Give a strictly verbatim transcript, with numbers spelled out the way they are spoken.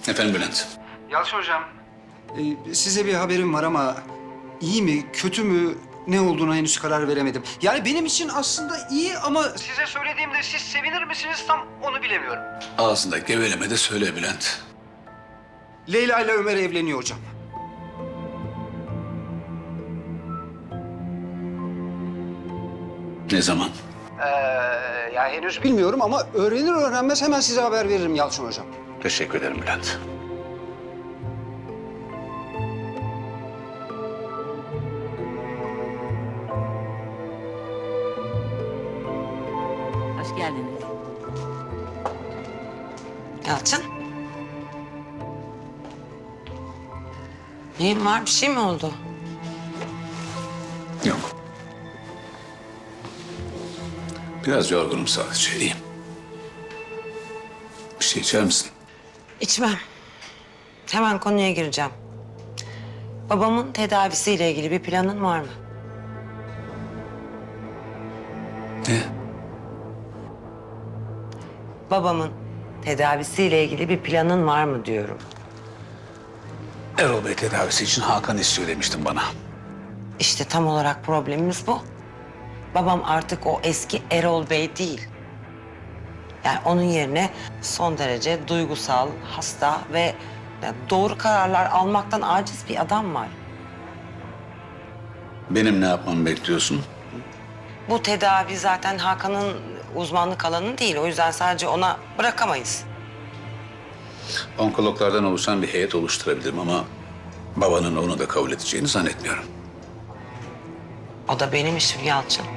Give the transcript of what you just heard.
Efendim Bülent. Yalçın hocam. Ee, size bir haberim var ama iyi mi, kötü mü, ne olduğuna henüz karar veremedim. Yani benim için aslında iyi ama size söylediğimde siz sevinir misiniz tam onu bilemiyorum. Ağzında geveleme de söyle Bülent. Leyla ile Ömer evleniyor hocam. Ne zaman? Ee, ya henüz bilmiyorum ama öğrenir öğrenmez hemen size haber veririm Yalçın hocam. Teşekkür ederim Bülent. Hoş geldiniz. Yalçın. Neyin var? Bir şey mi oldu? Yok. Biraz yorgunum sadece. İyiyim. Bir şey içer misin? İçmem. Hemen konuya gireceğim. Babamın tedavisiyle ilgili bir planın var mı? Ne? Babamın tedavisiyle ilgili bir planın var mı diyorum. Erol Bey tedavisi için Hakan istiyor demiştin bana. İşte tam olarak problemimiz bu. Babam artık o eski Erol Bey değil. Yani onun yerine son derece duygusal, hasta ve yani doğru kararlar almaktan aciz bir adam var. Benim ne yapmamı bekliyorsun? Bu tedavi zaten Hakan'ın uzmanlık alanı değil. O yüzden sadece ona bırakamayız. Onkologlardan oluşan bir heyet oluşturabilirim ama babanın onu da kabul edeceğini zannetmiyorum. O da benim işim Yalçın.